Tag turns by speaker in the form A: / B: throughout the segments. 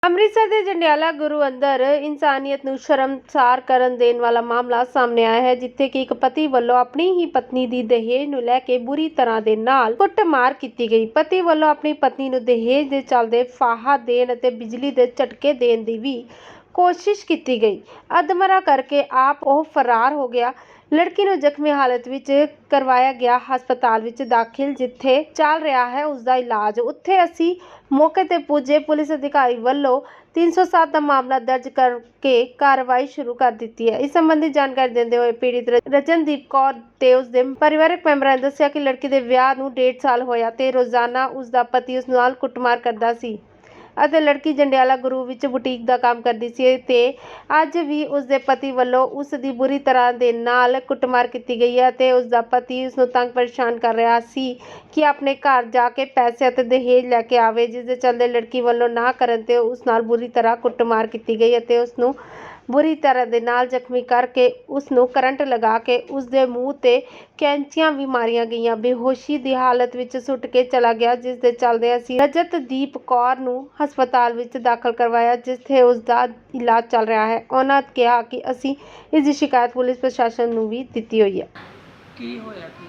A: ਅੰਮ੍ਰਿਤਸਰ ਦੇ ਜੰਡਿਆਲਾ ਗੁਰੂ ਅੰਦਰ ਇਨਸਾਨੀਅਤ ਨੂੰ ਸ਼ਰਮਸਾਰ ਕਰਨ ਦੇਣ ਵਾਲਾ ਮਾਮਲਾ ਸਾਹਮਣੇ ਆਇਆ ਹੈ, ਜਿੱਥੇ ਕਿ ਇੱਕ ਪਤੀ ਵੱਲੋਂ ਆਪਣੀ ਹੀ ਪਤਨੀ ਦੀ ਦਹੇਜ ਨੂੰ ਲੈ ਕੇ ਬੁਰੀ ਤਰ੍ਹਾਂ ਦੇ ਨਾਲ ਕੁੱਟਮਾਰ ਕੀਤੀ ਗਈ। ਪਤੀ ਵੱਲੋਂ ਆਪਣੀ ਪਤਨੀ ਨੂੰ ਦਹੇਜ ਦੇ ਚੱਲਦੇ ਫਾਹਾ ਦੇਣ ਅਤੇ ਬਿਜਲੀ ਦੇ ਝਟਕੇ ਦੇਣ ਦੀ ਵੀ ਕੋਸ਼ਿਸ਼ ਕੀਤੀ ਗਈ। ਅਧਮਰਾ ਕਰਕੇ ਆਪ ਉਹ ਫਰਾਰ ਹੋ ਗਿਆ। ਲੜਕੀ ਨੂੰ ਜ਼ਖਮੀ ਹਾਲਤ ਵਿੱਚ ਕਰਵਾਇਆ ਗਿਆ ਹਸਪਤਾਲ ਵਿੱਚ ਦਾਖਲ, ਜਿੱਥੇ ਚੱਲ ਰਿਹਾ ਹੈ ਉਸ ਦਾ ਇਲਾਜ। ਉੱਥੇ ਅਸੀਂ ਮੌਕੇ ਤੇ ਪੁੱਜੇ ਪੁਲਿਸ ਅਧਿਕਾਰੀ ਵੱਲੋਂ 307 ਦਾ ਮਾਮਲਾ ਦਰਜ ਕਰਕੇ ਕਾਰਵਾਈ ਸ਼ੁਰੂ ਕਰ ਦਿੱਤੀ ਹੈ। ਇਸ ਸੰਬੰਧੀ ਜਾਣਕਾਰੀ ਦਿੰਦੇ ਹੋਏ ਪੀੜਿਤ ਰਜਨਦੀਪ ਕੌਰ ਤੇ ਉਸ ਦੇ ਪਰਿਵਾਰਕ ਮੈਂਬਰਾਂ ਨੇ ਦੱਸਿਆ ਕਿ ਲੜਕੀ ਦੇ ਵਿਆਹ ਨੂੰ 1.5 ਸਾਲ ਹੋਇਆ ਤੇ ਰੋਜ਼ਾਨਾ ਉਸ ਦਾ ਪਤੀ ਉਸ ਨਾਲ ਕੁੱਟਮਾਰ ਕਰਦਾ ਸੀ ਅਤੇ ਲੜਕੀ ਜੰਡਿਆਲਾ ਗੁਰੂ ਵਿੱਚ ਬੁਟੀਕ ਦਾ ਕੰਮ ਕਰਦੀ ਸੀ ਤੇ ਅੱਜ ਵੀ ਉਸ ਦੇ ਪਤੀ ਵੱਲੋਂ ਉਸ ਦੀ ਬੁਰੀ ਤਰ੍ਹਾਂ ਦੇ ਨਾਲ ਕੁੱਟਮਾਰ ਕੀਤੀ ਗਈ ਹੈ ਤੇ ਉਸ ਦਾ ਪਤੀ ਉਸ ਨੂੰ ਤੰਗ ਪਰੇਸ਼ਾਨ ਕਰ ਰਿਹਾ ਸੀ ਕਿ ਆਪਣੇ ਘਰ ਜਾ ਕੇ ਪੈਸੇ ਅਤੇ ਦਹੇਜ ਲੈ ਕੇ ਆਵੇ, ਜਿਸ ਦੇ ਚੱਲਦੇ ਲੜਕੀ ਵੱਲੋਂ ਨਾ ਕਰਨ ਤੇ ਉਸ ਨਾਲ ਬੁਰੀ ਤਰ੍ਹਾਂ ਕੁੱਟਮਾਰ ਕੀਤੀ ਗਈ ਅਤੇ ਉਸ ਨੂੰ ਬੁਰੀ ਤਰ੍ਹਾਂ ਦੇ ਨਾਲ ਜ਼ਖਮੀ ਕਰਕੇ ਉਸ ਨੂੰ ਕਰੰਟ ਲਗਾ ਕੇ ਉਸ ਦੇ ਮੂੰਹ ਤੇ ਕੈਂਚੀਆਂ ਵੀ ਮਾਰੀਆਂ ਗਈਆਂ। ਬੇਹੋਸ਼ੀ ਦੀ ਹਾਲਤ ਵਿੱਚ ਸੁੱਟ ਕੇ ਚਲਾ ਗਿਆ, ਜਿਸ ਦੇ ਚੱਲਦੇ ਅਸੀਂ ਰਜਤਦੀਪ ਕੌਰ ਨੂੰ ਹਸਪਤਾਲ ਵਿੱਚ ਦਾਖਲ ਕਰਵਾਇਆ, ਜਿੱਥੇ ਉਸ ਦਾ ਇਲਾਜ ਚੱਲ ਰਿਹਾ ਹੈ। ਉਹਨਾਂ ਕਿਹਾ ਕਿ ਅਸੀਂ ਇਸ ਦੀ ਸ਼ਿਕਾਇਤ ਪੁਲਿਸ ਪ੍ਰਸ਼ਾਸਨ ਨੂੰ ਵੀ ਦਿੱਤੀ ਹੋਈ ਹੈ।
B: ਕੀ ਹੋਇਆ ਕੀ?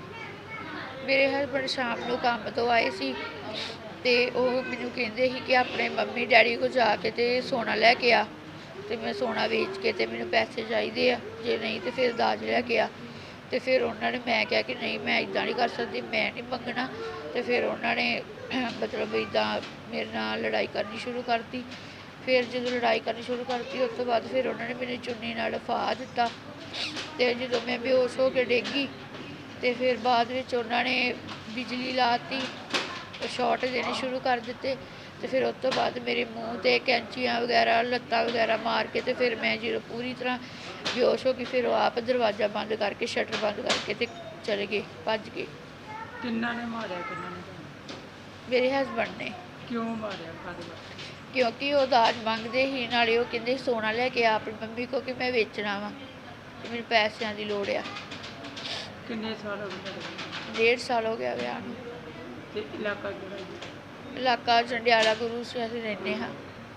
C: ਮੇਰੇ ਹਸਬੈਂਡ ਸ਼ਾਮ ਨੂੰ ਕੰਮ ਤੋਂ ਆਏ ਸੀ ਤੇ ਉਹ ਮੈਨੂੰ ਕਹਿੰਦੇ ਸੀ ਕਿ ਆਪਣੇ ਮੰਮੀ ਡੈਡੀ ਕੋਲ ਜਾ ਕੇ ਤੇ ਸੋਨਾ ਲੈ ਕੇ ਆ, ਤੇ ਮੈਂ ਸੋਨਾ ਵੇਚ ਕੇ ਤੇ ਮੈਨੂੰ ਪੈਸੇ ਚਾਹੀਦੇ ਆ, ਜੇ ਨਹੀਂ ਤੇ ਫਿਰ ਦਾਜ ਲੈ ਕੇ ਆ। ਤੇ ਫਿਰ ਉਹਨਾਂ ਨੇ, ਮੈਂ ਕਿਹਾ ਕਿ ਨਹੀਂ ਮੈਂ ਇੱਦਾਂ ਨਹੀਂ ਕਰ ਸਕਦੀ, ਮੈਂ ਨਹੀਂ ਮੰਗਣਾ। ਤੇ ਫਿਰ ਉਹਨਾਂ ਨੇ ਮਤਲਬ ਇੱਦਾਂ ਮੇਰੇ ਨਾਲ ਲੜਾਈ ਕਰਨੀ ਸ਼ੁਰੂ ਕਰਤੀ। ਫਿਰ ਜਦੋਂ ਲੜਾਈ ਕਰਨੀ ਸ਼ੁਰੂ ਕਰਤੀ ਉਸ ਤੋਂ ਬਾਅਦ ਫਿਰ ਉਹਨਾਂ ਨੇ ਮੈਨੂੰ ਚੁੰਨੀ ਨਾਲ ਫਾਹ ਦਿੱਤਾ ਤੇ ਜਦੋਂ ਮੈਂ ਬੇਹੋਸ਼ ਹੋ ਕੇ ਡਿੱਗੀ ਤੇ ਫਿਰ ਬਾਅਦ ਵਿੱਚ ਉਹਨਾਂ ਨੇ ਬਿਜਲੀ ਲਾਤੀ, ਸ਼ਾਰਟ ਦੇਣੇ ਸ਼ੁਰੂ ਕਰ ਦਿੱਤੇ। ਤੇ ਫਿਰ ਉਸ ਤੋਂ ਬਾਅਦ ਮੇਰੇ ਮੂੰਹ ਤੇ ਕੈਂਚੀਆਂ ਵਗੈਰਾ, ਲੱਤਾਂ ਵਗੈਰਾ ਮਾਰ ਕੇ ਤੇ ਫਿਰ ਮੈਂ ਜਦੋਂ ਪੂਰੀ ਤਰ੍ਹਾਂ ਬੇਹੋਸ਼ ਹੋ ਗਈ, ਫਿਰ ਉਹ ਆਪ ਦਰਵਾਜ਼ਾ ਬੰਦ ਕਰਕੇ, ਸ਼ਟਰ ਬੰਦ ਕਰਕੇ ਤੇ ਚਲੇ ਗਏ, ਭੱਜ ਗਏ।
B: ਕਿੰਨਾਂ ਨੇ ਮਾਰਿਆ? ਕਿੰਨਾਂ ਨੇ?
C: ਮੇਰੇ ਹਸਬੈਂਡ ਨੇ।
B: ਕਿਉਂ ਮਾਰਿਆ? ਕਾਹਦੇ ਵਾਸਤੇ?
C: ਕਿਉਂਕਿ ਉਹ ਦਾਜ ਮੰਗਦੇ ਸੀ, ਨਾਲੇ ਉਹ ਕਹਿੰਦੇ ਸੋਨਾ ਲੈ ਕੇ ਆ ਆਪਣੀ ਮੰਮੀ ਕੋ ਕਿ ਮੈਂ ਵੇਚਣਾ ਵਾ ਤੇ ਮੈਨੂੰ ਪੈਸਿਆਂ ਦੀ ਲੋੜ ਆ।
B: ਕਿੰਨੇ ਸਾਲ ਹੋ ਗਏ?
C: 1.5 ਸਾਲ ਹੋ ਗਿਆ ਵਿਆਹ ਨੂੰ।
B: ਤੇ ਇਲਾਕਾ ਕਿਹੜਾ ਜੀ?
C: ਇਲਾਕਾ ਜੰਡਿਆਲਾ ਗੁਰੂ ਸੀ, ਅਸੀਂ ਰਹਿੰਦੇ ਹਾਂ।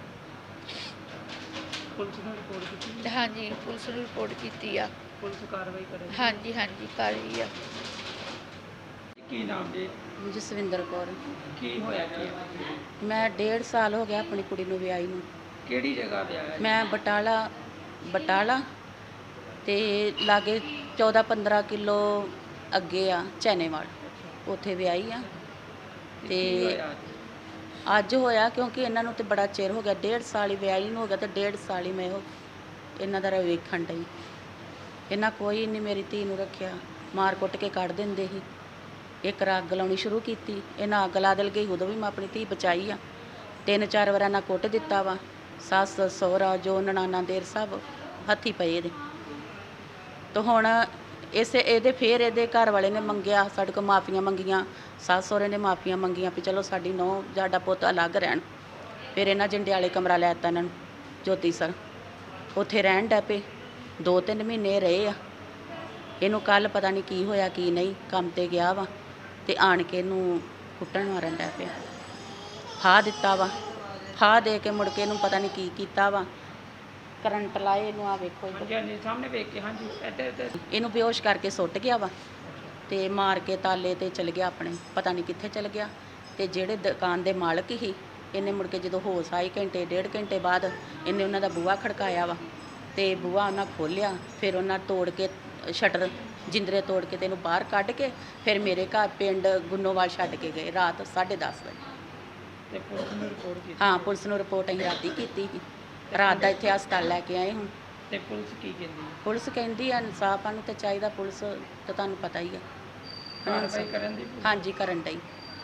B: ਪੁਲਿਸ ਨੂੰ ਰਿਪੋਰਟ ਕੀਤੀ?
C: ਹਾਂਜੀ, ਪੁਲਿਸ ਨੂੰ ਰਿਪੋਰਟ ਕੀਤੀ ਆ।
B: ਪੁਲਿਸ ਕਾਰਵਾਈ ਕਰੇ?
C: ਹਾਂਜੀ ਕਰ ਰਹੀ ਆ।
B: ਕੀ ਨਾਮ ਜੀ?
D: ਜਸਵਿੰਦਰ ਕੌਰ।
B: ਕੀ ਹੋਇਆ ਕੀ?
D: ਮੈਂ 1.5 ਸਾਲ ਹੋ ਗਿਆ ਆਪਣੀ ਕੁੜੀ ਨੂੰ ਵਿਆਹੀ ਨੂੰ।
B: ਕਿਹੜੀ ਜਗ੍ਹਾ ਤੇ ਆਇਆ?
D: ਮੈਂ ਬਟਾਲਾ ਤੇ ਲਾਗੇ 14-15 ਕਿਲੋ ਅੱਗੇ ਆ ਚੈਨੇਵਾਲ, ਉੱਥੇ ਵਿਆਹੀ ਆ। ਤੇ ਅੱਜ ਹੋਇਆ ਕਿਉਂਕਿ ਇਹਨਾਂ ਨੂੰ ਤੇ ਬੜਾ ਚਿਰ ਹੋ ਗਿਆ, 1.5 ਸਾਲ ਹੀ ਵਿਆਹੀ ਨੂੰ ਹੋ ਗਿਆ ਤੇ 1.5 ਸਾਲ ਹੀ ਮੈਂ ਇਹਨਾਂ ਦਾ ਵੇਖਣ ਡਈ। ਇਹਨਾਂ ਕੋਈ ਨਹੀਂ ਮੇਰੀ ਧੀ ਨੂੰ ਰੱਖਿਆ, ਮਾਰ ਕੁੱਟ ਕੇ ਕੱਢ ਦਿੰਦੇ ਸੀ। ਇੱਕ ਰ ਅੱਗ ਲਾਉਣੀ ਸ਼ੁਰੂ ਕੀਤੀ, ਇਹਨਾਂ ਅੱਗ ਲਾ ਦਿਲ ਗਈ, ਉਦੋਂ ਵੀ ਮੈਂ ਆਪਣੀ ਧੀ ਬਚਾਈ ਆ। 3-4 ਵਾਰ ਇਹਨਾਂ ਕੁੱਟ ਦਿੱਤਾ ਵਾ, ਸੱਸ ਸਹੁਰਾ ਜੋ ਨਨਾਣਾ ਦੇਰ ਸਭ ਹੱਥੀ ਪਏ ਇਹਦੇ। ਤਾਂ ਹੁਣ ਫਿਰ ਇਹਦੇ ਘਰ ਵਾਲੇ ਨੇ ਮੰਗਿਆ, ਸਾਡੇ ਕੋਲ ਮਾਫੀਆਂ ਮੰਗੀਆਂ, ਸੱਸ ਸਹੁਰੇ ਨੇ ਮਾਫੀਆਂ ਮੰਗੀਆਂ ਵੀ ਚਲੋ ਸਾਡੀ ਨੂੰਹ ਸਾਡਾ ਪੁੱਤ ਅਲੱਗ ਰਹਿਣ। ਫਿਰ ਇਹਨਾਂ ਜੰਡਿਆਲੇ ਕਮਰਾ ਲੈ ਦਿੱਤਾ ਇਹਨਾਂ ਨੂੰ, ਜੋਤੀ ਸਰ, ਉੱਥੇ ਰਹਿਣ ਡੈ ਪਏ। 2-3 ਮਹੀਨੇ ਰਹੇ ਆ। ਇਹਨੂੰ ਕੱਲ੍ਹ ਪਤਾ ਨਹੀਂ ਕੀ ਹੋਇਆ ਕੀ ਨਹੀਂ, ਕੰਮ 'ਤੇ ਗਿਆ ਵਾ ਤੇ ਆਣ ਕੇ ਇਹਨੂੰ ਕੁੱਟਣ ਮਾਰਨ ਡੈ ਪਿਆ। ਫਾਹ ਦਿੱਤਾ ਵਾ, ਫਾਹ ਦੇ ਕੇ ਮੁੜ ਕੇ ਇਹਨੂੰ ਪਤਾ ਨਹੀਂ ਕੀ ਕੀਤਾ ਵਾ, ਕਰੰਟ ਲਾਏ ਇਹਨੂੰ। ਆ ਵੇਖੋ
B: ਹਾਂਜੀ ਸਾਹਮਣੇ ਵੇਖ ਕੇ। ਹਾਂਜੀ ਇੱਧਰ
D: ਇਹਨੂੰ ਬੇਹੋਸ਼ ਕਰਕੇ ਸੁੱਟ ਗਿਆ ਵਾ ਤੇ ਮਾਰ ਕੇ ਤਾਲੇ ਤੇ ਚਲ ਗਿਆ ਆਪਣੇ, ਪਤਾ ਨਹੀਂ ਕਿੱਥੇ ਚਲ ਗਿਆ। ਤੇ ਜਿਹੜੇ ਦੁਕਾਨ ਦੇ ਮਾਲਕ ਸੀ, ਇਹਨੇ ਮੁੜ ਕੇ ਜਦੋਂ ਹੋਸ਼ ਆਈ ਘੰਟੇ 1.5 ਘੰਟੇ ਬਾਅਦ ਇਹਨੇ ਉਹਨਾਂ ਦਾ ਬੂਹਾ ਖੜਕਾਇਆ ਵਾ ਤੇ ਬੂਹਾ ਉਹਨਾਂ ਖੋਲ੍ਹਿਆ। ਫਿਰ ਉਹਨਾਂ ਤੋੜ ਕੇ ਸ਼ਟਰ ਜਿੰਦਰੇ ਤੋੜ ਕੇ ਤੇ ਇਹਨੂੰ ਬਾਹਰ ਕੱਢ ਕੇ ਫਿਰ ਮੇਰੇ ਘਰ ਪਿੰਡ ਗੁੰਨੋਵਾਲ ਛੱਡ ਕੇ ਗਏ ਰਾਤ 10:30 ਵਜੇ।
B: ਤੇ ਪੁਲਿਸ ਨੂੰ ਰਿਪੋਰਟ ਕੀਤੀ?
D: ਹਾਂ, ਪੁਲਿਸ ਨੂੰ ਰਿਪੋਰਟ ਅਸੀਂ ਰਾਤੀ ਕੀਤੀ ਸੀ। ਰਾਤ ਦਾ ਇੱਥੇ ਹਸਪਤਾਲ ਲੈ ਕੇ ਆਏ ਹੁਣ।
B: ਤੇ ਪੁਲਿਸ ਕੀ ਕਹਿੰਦੀ?
D: ਪੁਲਿਸ ਕਹਿੰਦੀ ਆ ਇਨਸਾਫ ਨੂੰ ਤੇ ਚਾਹੀਦਾ, ਪੁਲਿਸ ਤਾਂ ਤੁਹਾਨੂੰ ਪਤਾ ਹੀ ਆ।
B: ਕਾਰਵਾਈ ਕਰਨ ਦੀ?
D: ਹਾਂਜੀ ਕਰਨ ਡਈ।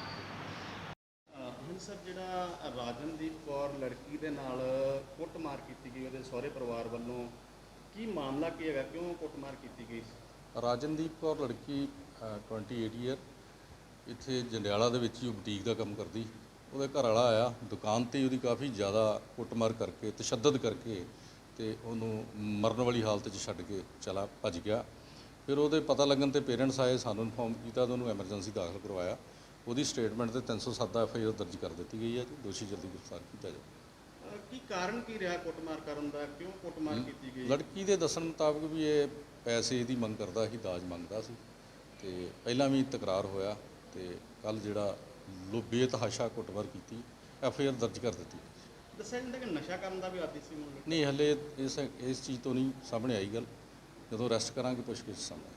E: ਹੁਣ ਸਰ ਜਿਹੜਾ ਰਾਜਨਦੀਪ ਕੌਰ ਲੜਕੀ ਦੇ ਨਾਲ ਕੁੱਟਮਾਰ ਕੀਤੀ ਗਈ ਉਹਦੇ ਸਹੁਰੇ ਪਰਿਵਾਰ ਵੱਲੋਂ, ਕੀ ਮਾਮਲਾ ਕੀ ਹੈਗਾ, ਕਿਉਂ ਕੁੱਟਮਾਰ ਕੀਤੀ ਗਈ?
F: ਰਾਜਨਦੀਪ ਕੌਰ ਲੜਕੀ 28 ਈਅਰ ਇੱਥੇ ਜੰਡਿਆਲਾ ਦੇ ਵਿੱਚ ਹੀ ਬੁਟੀਕ ਦਾ ਕੰਮ ਕਰਦੀ। ਉਹਦਾ ਘਰ ਵਾਲਾ ਆਇਆ ਦੁਕਾਨ 'ਤੇ, ਉਹਦੀ ਕਾਫੀ ਜ਼ਿਆਦਾ ਕੁੱਟਮਾਰ ਕਰਕੇ, ਤਸ਼ੱਦਦ ਕਰਕੇ ਤੇ ਉਹਨੂੰ ਮਰਨ ਵਾਲੀ ਹਾਲਤ 'ਚ ਛੱਡ ਕੇ ਭੱਜ ਗਿਆ। ਫਿਰ ਉਹਦੇ ਪਤਾ ਲੱਗਣ 'ਤੇ ਪੇਰੈਂਟਸ ਆਏ, ਸਾਨੂੰ ਇਨਫੋਰਮ ਕੀਤਾ ਤੇ ਉਹਨੂੰ ਐਮਰਜੈਂਸੀ ਦਾਖਲ ਕਰਵਾਇਆ। ਉਹਦੀ ਸਟੇਟਮੈਂਟ 'ਤੇ 307 FIR ਦਰਜ ਕਰ ਦਿੱਤੀ ਗਈ ਹੈ ਜੀ। ਦੋਸ਼ੀ ਜਲਦੀ ਗ੍ਰਿਫਤਾਰ ਕੀਤਾ ਜਾਵੇ।
E: ਕੀ ਕਾਰਨ ਕੀ ਰਿਹਾ ਕੁੱਟਮਾਰ ਕਰਨ ਦਾ, ਕਿਉਂ ਕੁੱਟਮਾਰ ਕੀਤੀ ਗਈ?
F: ਲੜਕੀ ਦੇ ਦੱਸਣ ਮੁਤਾਬਕ ਵੀ ਇਹ ਪੈਸੇ ਦੀ ਮੰਗ ਕਰਦਾ ਸੀ, ਦਾਜ ਮੰਗਦਾ ਸੀ ਤੇ ਪਹਿਲਾਂ ਵੀ ਤਕਰਾਰ ਹੋਇਆ ਤੇ ਕੱਲ ਜਿਹੜਾ ਬੇਤਹਾਸ਼ਾ ਕੁੱਟਮਾਰ ਕੀਤੀ, ਐਫਆਈਆਰ ਦਰਜ ਕਰ ਦਿੱਤੀ।
E: ਦੱਸਿਆ ਜਾਂਦਾ ਕਿ ਨਸ਼ਾ ਕਰਨ ਦਾ ਵੀ ਆਦੀ ਸੀ ਮੁੰਡਾ।
F: ਨਹੀਂ, ਹਲੇ ਇਸ ਚੀਜ਼ ਤੋਂ ਨਹੀਂ ਸਾਹਮਣੇ ਆਈ ਗੱਲ, ਜਦੋਂ ਅਰੈਸਟ ਕਰਾਂਗੇ ਪੁੱਛਗਿੱਛ ਸਾਹਮਣੇ।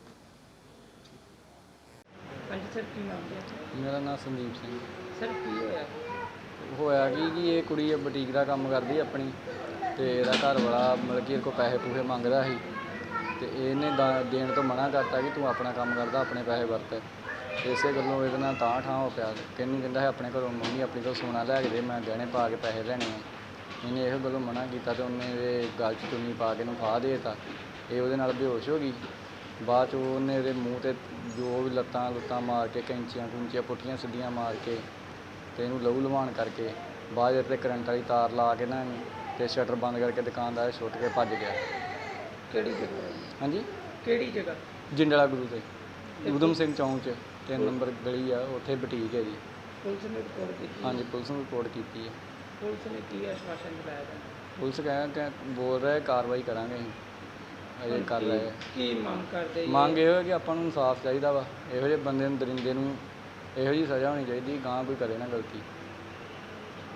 B: ਹਾਂਜੀ ਸਰ, ਕੀ ਨਾਮ ਹੈ?
G: ਮੇਰਾ ਨਾਮ ਸੰਦੀਪ ਸਿੰਘ।
B: ਸਰ ਕੀ ਹੋਇਆ?
G: ਹੋਇਆ ਕਿ ਇਹ ਕੁੜੀ ਬੁਟੀਕ ਦਾ ਕੰਮ ਕਰਦੀ ਆਪਣੀ ਤੇ ਇਹਦਾ ਘਰ ਵਾਲਾ ਮਤਲਬ ਕਿ ਇਹਦੇ ਕੋਲ ਪੈਸੇ ਪੂਸੇ ਮੰਗਦਾ ਸੀ ਤੇ ਇਹਨੇ ਦੇਣ ਤੋਂ ਮਨਾ ਕਰਤਾ ਕਿ ਤੂੰ ਆਪਣਾ ਕੰਮ ਕਰਦਾ, ਆਪਣੇ ਪੈਸੇ ਵਰਤ। ਇਸੇ ਗੱਲੋਂ ਇਹਦੇ ਨਾਲ ਤਾਂ ਠਾਂ ਹੋ ਪਿਆ। ਕਹਿੰਦਾ ਹੈ ਆਪਣੇ ਘਰੋਂ ਮੰਮੀ ਆਪਣੀ ਕੋਲ ਸੋਨਾ ਲੈ ਕੇ ਦੇ, ਮੈਂ ਗਹਿਣੇ ਪਾ ਕੇ ਪੈਸੇ ਲੈਣੇ ਆ। ਇਹਨੇ ਇਹੋ ਗੱਲੋਂ ਮਨਾ ਕੀਤਾ ਤੇ ਉਹਨੇ ਇਹਦੇ ਗਲ 'ਚ ਚੁੰਨੀ ਪਾ ਕੇ ਇਹਨੂੰ ਫਾਹ ਦੇ ਦਿੱਤਾ। ਇਹ ਉਹਦੇ ਨਾਲ ਬੇਹੋਸ਼ ਹੋ ਗਈ। ਬਾਅਦ 'ਚ ਉਹਨੇ ਇਹਦੇ ਮੂੰਹ 'ਤੇ ਜੋ ਵੀ ਲੱਤਾਂ ਮਾਰ ਕੇ ਕੈਂਚੀਆਂ ਪੁੱਠੀਆਂ ਸਿੱਧੀਆਂ ਮਾਰ ਕੇ ਤੇ ਇਹਨੂੰ ਲਹੂ ਲੁਹਾਣ ਕਰਕੇ ਬਾਅਦ 'ਚ 'ਤੇ ਕਰੰਟ ਵਾਲੀ ਤਾਰ ਲਾ ਕੇ ਨਾ ਇਹਨੂੰ ਤੇ ਸ਼ਟਰ ਬੰਦ ਕਰਕੇ ਦੁਕਾਨਦਾਰ ਛੁੱਟ ਕੇ ਭੱਜ ਗਿਆ।
B: ਕਿਹੜੀ ਜਗ੍ਹਾ?
G: ਹਾਂਜੀ,
B: ਕਿਹੜੀ ਜਗ੍ਹਾ?
G: ਜਿੰਡਲਾ ਗੁਰੂ ਤੇ ਊਧਮ ਸਿੰਘ ਚੌਂਕ 'ਚ 3 ਨੰਬਰ ਗਲੀ ਆ, ਉੱਥੇ ਬੁਟੀਕ ਹੈ ਜੀ।
B: ਪੁਲਿਸ ਨੇ ਰਿਪੋਰਟ ਕੀਤੀ?
G: ਹਾਂਜੀ, ਪੁਲਿਸ ਨੂੰ ਰਿਪੋਰਟ ਕੀਤੀ ਹੈ।
B: ਪੁਲਿਸ ਨੇ ਕੀ ਆਸ਼ਵਾਸਨ ਦਿਲਾਇਆ ਤੁਹਾਨੂੰ?
G: ਪੁਲਿਸ ਕਿ ਬੋਲ ਰਿਹਾ ਕਾਰਵਾਈ ਕਰਾਂਗੇ ਅਸੀਂ, ਅਜੇ ਕਰ ਰਹੇ ਆ।
B: ਕੀ ਮੰਗ ਕਰਦੇ?
G: ਮੰਗ ਇਹੋ ਹੈ ਕਿ ਆਪਾਂ ਨੂੰ ਇਨਸਾਫ ਚਾਹੀਦਾ ਵਾ। ਇਹੋ ਜਿਹੇ ਬੰਦੇ ਨੂੰ, ਦਰਿੰਦੇ ਨੂੰ ਇਹੋ ਜਿਹੀ ਸਜ਼ਾ ਹੋਣੀ ਚਾਹੀਦੀ, ਗਾਂ ਕੋਈ ਕਰੇ ਨਾ ਗਲਤੀ।